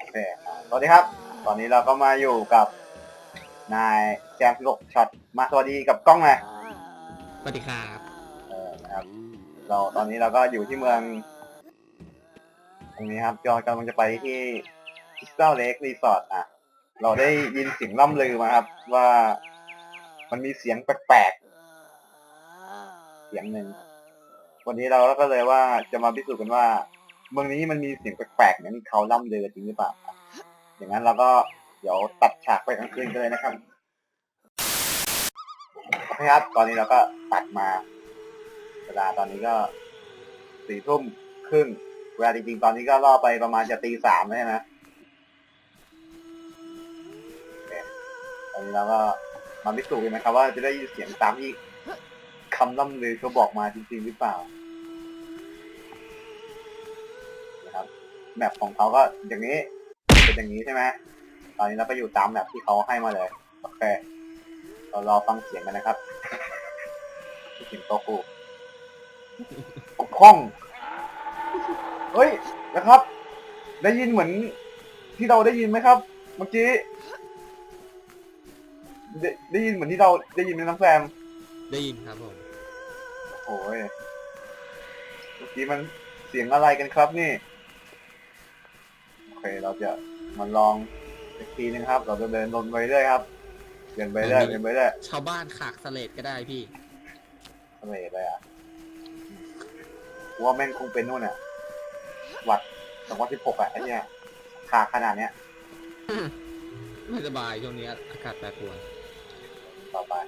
เคสวัสดีครับตอนนี้เราก็มาอยู่กับนายแจม16ช็อตมาสวัสดีกับกล้องเลยสวัสดีครับนะครับตอนนี้เราก็อยู่ที่เมืองตรงนี้ครับจอกำลังจะไปที่คริสตัลเลครีสอร์ทเราได้ยินเสียงล่ำลือมาครับว่ามันมีเสียงแปลกๆเสียงหนึ่งวันนี้เราก็เลยว่าจะมาพิสูจน์กันว่าเมืองนี้มันมีเสียงแปลกๆอย่างที่เขาล่ำลือจริงหรือเปล่าอย่างนั้นเราก็เดี๋ยวตัดฉากไปกลางคืนกันเลยนะครับโอเคครับตอนนี้เราก็ตัดมาเวลาตอนนี้ก็4 ทุ่มครึ่งเวลาจริงๆตอนนี้ก็ล่อไปประมาณจะตี 3แล้วใช่ไหมตอนนี้เราก็มาพิสูจน์กันนะครับว่าจะได้ยินเสียงตามที่คำล่ำลือเขาบอกมาจริงๆหรือเปล่านะครับแมปของเขาก็อย่างนี้เป็นอย่างนี้ใช่ไหมตอนนี้เราก็อยู่ตามแมปที่เขาให้มาเลยโอเคเรารอฟังเสียงกันนะครับเสียงโตกูคล่องเฮ้ยนะครับได้ยินเหมือนที่เราได้ยินไหมครับเมื่อกี้ได้ยินเหมือนที่เราได้ยินไหมน้องแซมได้ยินครับผมโอ้ยเมื่อกี้มันเสียงอะไรกันครับนี่โอเคเราจะมาลองอีกทีนึงครับเราจะเดินลงไปเรื่อยครับเดินไปเรื่อยเดินไปเรื่อยชาวบ้านขากสเลดก็ได้พี่ทะเลเลยว่าแม่งคงเป็นนู่นวัด2016ไอ้เนี่ยขาขนาดเนี้ยไม่สบายช่วงนี้อากาศแปรปรวนต่อไป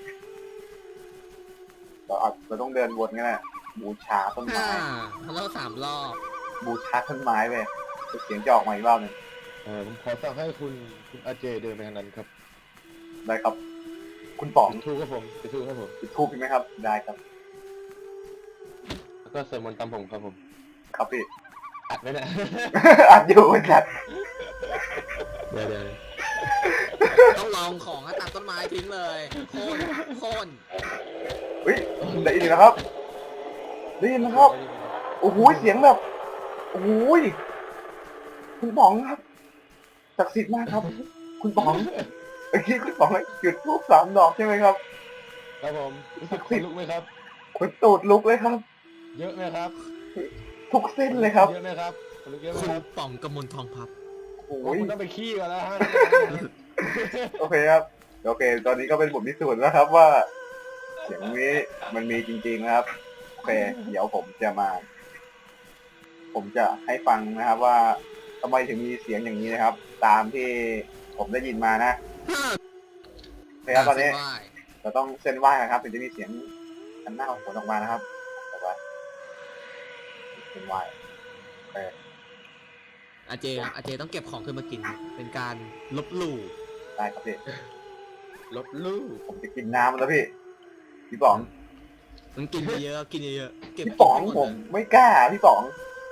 เราต้องเดินวนกันแหละบูชาต้นไม้แล้ว3 รอบบูชาต้นไม้ไปเสียงจะออกมาอีกรอบหนึ่งผมขอสั่งให้คุณอาเจเดินไปทางนั้นครับได้ครับคุณป๋องจุดทูบครับผมจุดทูบครับผมจุดทูบใช่ไหมครับได้ครับแล้วก็สวดมนต์ตามผมครับผมครับพี่อัดไว้นะอัดอยู่จัดเดี๋ยวต้องลองของตัดต้นไม้ทิ้งเลยโค่นเฮ้ยได้ยินนะครับได้ยินนะครับโอ้โหเสียงแบบโอ้โหคุณป๋องครับศักดิ์สิทธิ์มากครับ คุณป๋องเมื่อกี้คุณป๋องจุดธูป3 ดอกใช่ไหมครับครับผมรู้สึกขนลุกไหมครับขนตูดลุกเลยครับเยอะไหมครับทุกเส้นเลยครับเยอะไหมครับขนลุกเยอะไหมคุณครับป๋องกำมลทองพับโอ้โอ้ยคุณต้องไปขี้ก่อนแล้วฮะโอเคครับโอเคตอนนี้ก็เป็นบทพิสูจน์แล้วครับว่าเสียงนี้มันมีจริงๆนะครับโอเคเดี๋ยวผมจะให้ฟังนะครับว่าทำไมถึงมีเสียงอย่างนี้นะครับ ตามที่ผมได้ยินมานะโอเคครับตอนนี้เราต้องเส้นไหว้นะครับถึงจะมีเสียงอันหน้าของผลออกมานะครับแต่ว่าเส้นไหว้โอเคอาเจต้องเก็บของขึ้นมากินเป็นการลบหลู่ได้ครับพี่ลบลู่ผมจะกินน้ำแล้วพี่ป๋องมันกินเยอะเก็บพี่ป๋องผมไม่กล้าพี่ป๋อง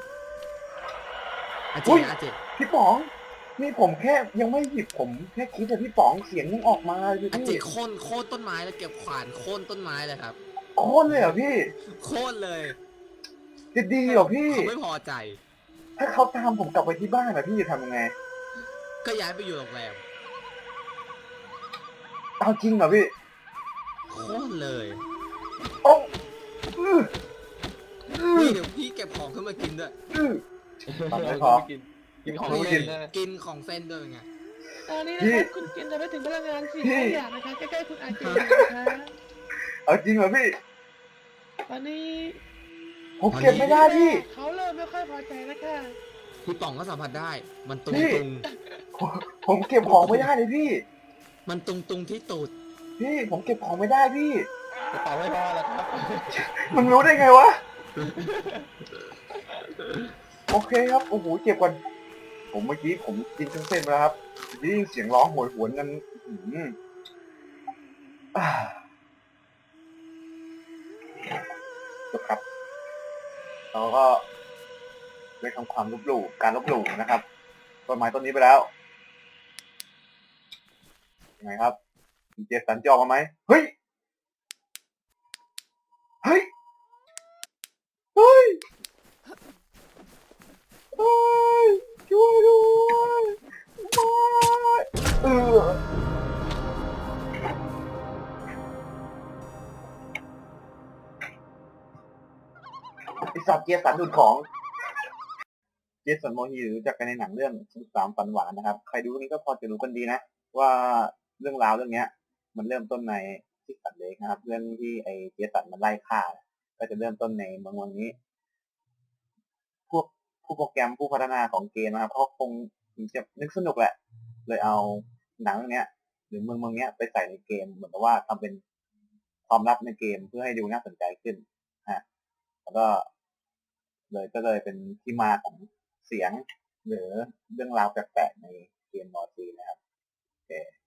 อาเจพี่ป๋องนี่ผมแค่ยังไม่หยิบผมแค่คิดแต่พี่ป๋องเสียงยังออกมาเลยอาเจพี่โค่นต้นไม้แล้วเก็บขวานโค่นต้นไม้เลยครับโค่นเลยเหรอพี่โค่นเลยจะดีเหรอพี่เขาไม่พอใจถ้าเขาตามผมกลับไปที่บ้านพี่จะทำยังไงก็ย้ายไปอยู่โรงแรมเอาจริงเหรอพี่โค่นเลยโอ้นี่เดี๋ยวพี่เก็บของขึ้นมากินด้วยทำไม่พอกินของกินเล่นนะกินของเส้นด้วยไงตอนนี้นะครับคุณกินจะไม่ถึงพลังงาน4 อย่างนะคะใกล้ๆคุณอาเจนะคะเอาจริงเหรอพี่ตอนนี้ผมเก็บไม่ได้พี่เขาเริ่มไม่ค่อยพอใจแล้วค่ะพี่ป๋องก็สัมผัสได้มันตุงผมเก็บของไม่ได้เลยพี่มันตุงที่ตูดพี่ผมเก็บของไม่ได้พี่กระเป๋าไม่พอแล้วครับมึงรู้ได้ไงวะโอเคครับโอ้โหเก็บก่อนผมเมื่อกี้ผมกินทั้งเส้นไปแล้วครับได้ยินเสียงร้องโหยหวนกันจบครับเราก็ได้ทำความลบหลู่การลบหลู่นะครับต้นไม้ต้นนี้ไปแล้วยังไงครับมีเจสันจะออกมาไหมเฮ้ยเฮ้ยเฮ้ยเฮ้ยช่วยด้วยจสันดูดของเจสันโมฮีรู้จักกันในหนังเรื่อง13ฝันหวานนะครับใครดูเรื่องนี้ก็พอจะรู้กันดีนะว่าเรื่องราวเรื่องเนี้ย มันเริ่มต้นในที่สันเล็กนะครับเรื่องที่ไอเจสันมันไล่ฆ่าก็จะเริ่มต้นในเมืองนี้ พวกผู้โปรแกรมผู้พัฒนาของเกมนะครับเขาคงจะนึกสนุกแหละเลยเอาหนังเรื่องเนี้ย หรือเมืองเนี้ยไปใส่ในเกมเหมือนกับว่าทำเป็นความลับในเกมเพื่อให้ดูน่าสนใจขึ้นแล้วก็เลยเป็นที่มาของเสียงหรือเรื่องราวแปลกๆในเกมมอร์ซีนะครับโอเค